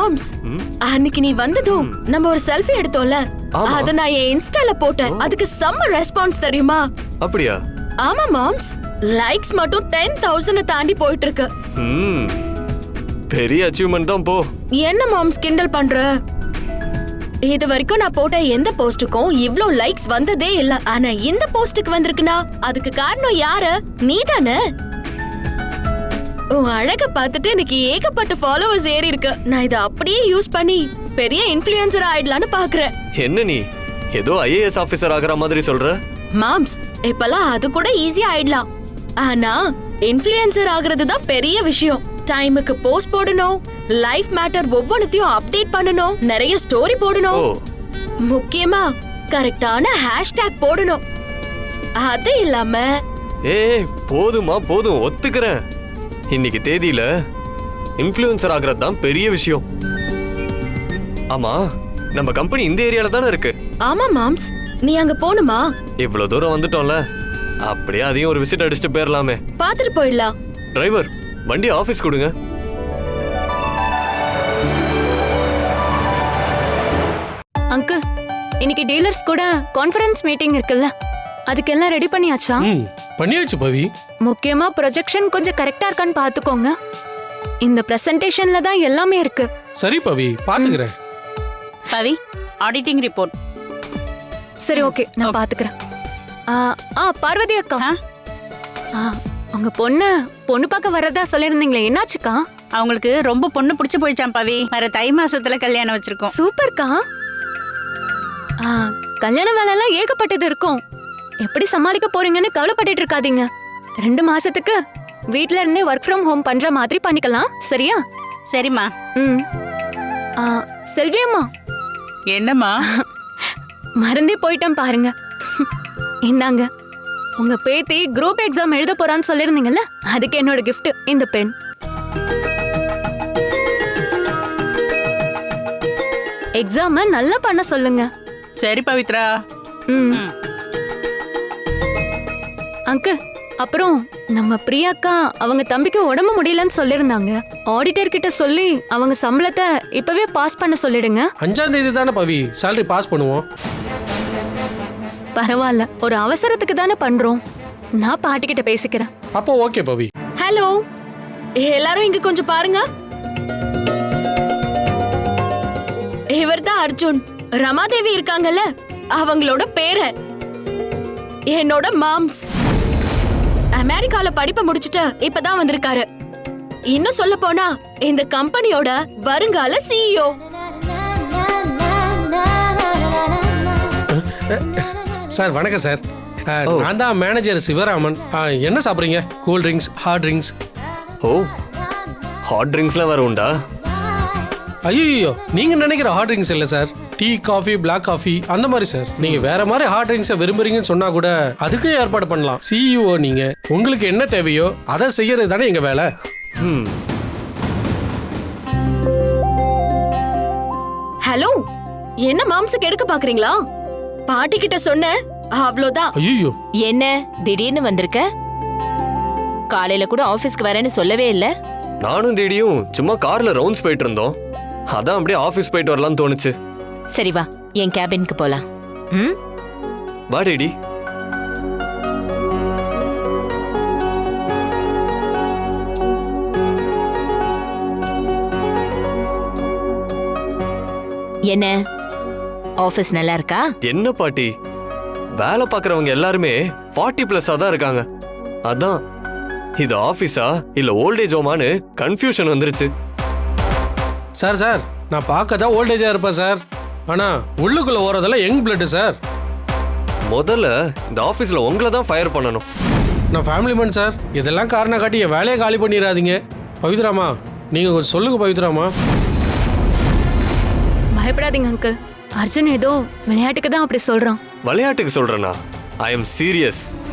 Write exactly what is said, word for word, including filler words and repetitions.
Moms, அன்னைக்கு நீ வந்ததும் நம்ம ஒரு செல்ஃபி எடுத்தோம்ல, அத நான் என் இன்ஸ்டால போட்டேன். அதுக்கு செம்ம ரெஸ்பான்ஸ் தெரியுமா? அப்படியா? ஆமா மாம்ஸ், லைக்ஸ் மட்டும் டென் தௌசண்ட் தாண்டி போயிட்டு இருக்கு. பெரிய அச்சீவ்மென்ட் தான் போ. என்ன மாம்ஸ் கிண்டல் பண்ற? இது வரைக்கும் நான் போட்ட எந்த போஸ்டுக்கும் இவ்ளோ லைக்ஸ் வந்ததே இல்ல. ஆனா இந்த போஸ்டுக்கு வந்திருக்குனா அதுக்கு காரணம் யாரு? நீதானே. உன் அழக பார்த்துட்டு எனக்கு ஏகப்பட்ட ஃபாலோவர்ஸ் ஏறி இருக்கு. நான் இத அப்படியே யூஸ் பண்ணி பெரிய இன்ஃப்ளூயன்சர் ஆயிடலாம்னு பாக்குறேன். என்ன நீ ஏதோ ஐஏஎஸ் ஆபீசர் ஆகுற மாதிரி சொல்ற? மாம்ஸ், இப்பலாம் அது கூட ஈஸியா ஆயிடலாம். ஆனா இன்ஃப்ளூயன்சர் ஆகுறது தான் பெரிய விஷயம். டைமுக்கு போஸ்ட் போடணும், லைஃப் மேட்டர் ஒவ்வொன்றையும் அப்டேட் பண்ணணும், நிறைய ஸ்டோரி போடணும், முக்கியமா கரெக்டான ஹேஷ்டேக் போடணும். அது இல்லாம ஏய் போதுமா போதும், ஒத்துக்கிறேன். இன்னைக்கு தேதியில இன்ஃப்ளூயன்சர் ஆகுறது தான் பெரிய விஷயம். ஆமா, நம்ம கம்பெனி இந்த ஏரியால தானே இருக்கு. ஆமா மாம்ஸ், நீ அங்க போணுமா? இவ்வளவு தூரம் வந்துட்டோம்ல, அப்படியே அதையும் ஒரு விசிட் அடிச்சுட்டு போயிடலாமே. பாத்துட்டு போயிடலாம். டிரைவர், வண்டி ஆபீஸ் கொடுங்க. அங்கிள், இன்னைக்கு டீலர்ஸ் கூட கான்ஃபரன்ஸ் மீட்டிங் இருக்குல்ல, அதுக்கெல்லாம் ரெடி பண்ணியாச்சா? ம், பண்ணியாச்சு பவி. முக்கியமா ப்ரொஜெக்ஷன் கொஞ்சம் கரெக்டா இருக்கான்னு பாத்துக்கோங்க. இந்த பிரசன்டேஷன்ல தான் எல்லாமே இருக்கு. சரி பவி, பாத்துக்கிறேன். Pavi, auditing report. சரி, ஓகே, நான் பாத்துக்கிறேன். ஆ ஆ பார்வதி அக்கா, ஆ உங்க பொண்ணு பொண்ணு பார்க்க வரதா சொல்லிருந்தீங்களே, என்னாச்சுக்கா? அவங்களுக்கு ரொம்ப பொண்ணு பிடிச்சு போயிச்சாம் பவி. வர தை மாசத்துல கல்யாணம் வச்சிருக்கோம். சூப்பர்க்கா. ஆ கல்யாண வேலை எல்லாம் ஏகப்பட்டது இருக்கும். எப்படி சமாளிக்க போறீங்கன்னு கவலைப்பட்டுட்டு இருக்காதீங்க. ரெண்டு மாசத்துக்கு வீட்ல இருந்தே ஒர்க் ஃப்ரம் ஹோம் பண்ற மாதிரி பண்ணிக்கலாம், சரியா? சரிம்மா. ம். ஆ செல்வியம்மா. என்னம்மா? மறந்தே போயிட்டேன் பாருங்க. இந்தாங்க, உங்க பேத்தி குரூப் எக்ஸாம் எழுத போறான்னு சொல்லிருந்தீங்கல்ல, அதுக்கு என்னோட கிஃப்ட் இந்த பென். எக்ஸாம நல்லா பண்ண சொல்லுங்க. சரி பவித்ரா. ம். அங்கிள், அப்புறம் நம்ம பிரியாக்கா அவங்க தம்பிக்கு உடம்பு முடியலன்னு சொல்லிருந்தாங்க. ஆடிட்டர் கிட்ட சொல்லி அவங்க சம்பளத்தை இப்பவே பாஸ் பண்ண சொல்லிடுங்க. அஞ்சாம் தேதி தானே பவி salary பாஸ் பண்ணுவோம். பரவாயில்ல, ஒரு அவசரத்துக்கு தானே பண்றோம். நான் பாட்டி கிட்ட பேசிக்கிறேன். அப்போ ஓகே பவி. ஹலோ, எல்லாரும் இங்க கொஞ்சம் பாருங்க. இவர்தான் அர்ஜுன். ரமாதேவி இருக்காங்கல்ல, அவங்களோட பேரன். என்னோட மாம்ஸ். அமெரிக்கால படிப்பை முடிச்சுட்டு இப்பதான் வந்திருக்காரு. இன்னும் சொல்ல போனா இந்த கம்பெனியோட வருங்கால சிஇஓ. சார் வணக்கம் சார். நான் தான் மேனேஜர் சிவராமன். என்ன சாப்பிட்றீங்க? Cool drinks, hot drinks? ஓ, ஹாட் ட்ரிங்க்ஸ்லாம் வேற உண்டா? ஐயோ, நீங்க நினைக்கிற ஹாட் ட்ரிங்க்ஸ் இல்லை sir. Tea, coffee, black coffee அந்த மாதிரி சார். நீங்க வேற மாதிரி ஹாட் ட்ரிங்க்ஸை விரும்புறீங்கன்னு சொன்னா கூட அதுக்கும் ஏற்பாடு பண்ணலாம். சிஇஓ நீங்க, உங்களுக்கு என்ன தேவையோ அதை செய்யறது தானே எங்க வேலை. ஹலோ, என்ன மாம்ஸுக்கு எடுக்க பாக்குறீங்களா? பாட்டி கிட்ட சொன்ன அவ்வளவுதான். ஐயோ, என்ன திடீர்னு வந்திருக்க? காலையில கூட ஆபீஸ்க்கு வரேன்னு சொல்லவே இல்ல. நானும் டேடியும் சும்மா கார்ல ரவுண்ட்ஸ் போயிட்டு இருந்தோம். அதான் அப்படியே ஆபீஸ் போயிட்டு வரலாம்னு தோணுச்சு. சரி வா, என் கேபினுக்கு போலாம். ம், வா டேடி. என்ன ஆபீஸ் நல்லா இருக்கா? என்ன பாட்டி, வேலை பார்க்கறவங்க எல்லாருமே ஃபார்ட்டி பிளஸ்ஸா தான் இருக்காங்க. அதான் இது ஆபீஸா இல்ல ஓல்டேஜ் ஹோமான்னு கன்ஃபியூஷன் வந்துருச்சு. சார் சார் நான் பார்க்க தான் ஓல்டேஜா இருப்பேன் சார். ஆனா உள்ளுக்குள்ள ஓரதெல்லாம் யங் பிளட் சார். முதல்ல இந்த ஆபீஸ்ல உங்களை தான் ஃபயர் பண்ணணும். நான் ஃபேமிலி மேன் சார். இதெல்லாம் காரணம் காட்டி என் வேலையை காலி பண்ணிடாதீங்க. பவித்ராமா, நீங்க கொஞ்சம் சொல்லுங்க பவித்ராமா. பயப்படாதீங்க அங்கிள், அர்ஜுன் ஏதோ விளையாட்டுக்கு தான் அப்படி சொல்றான். விளையாட்டுக்கு சொல்றேனா? I am serious.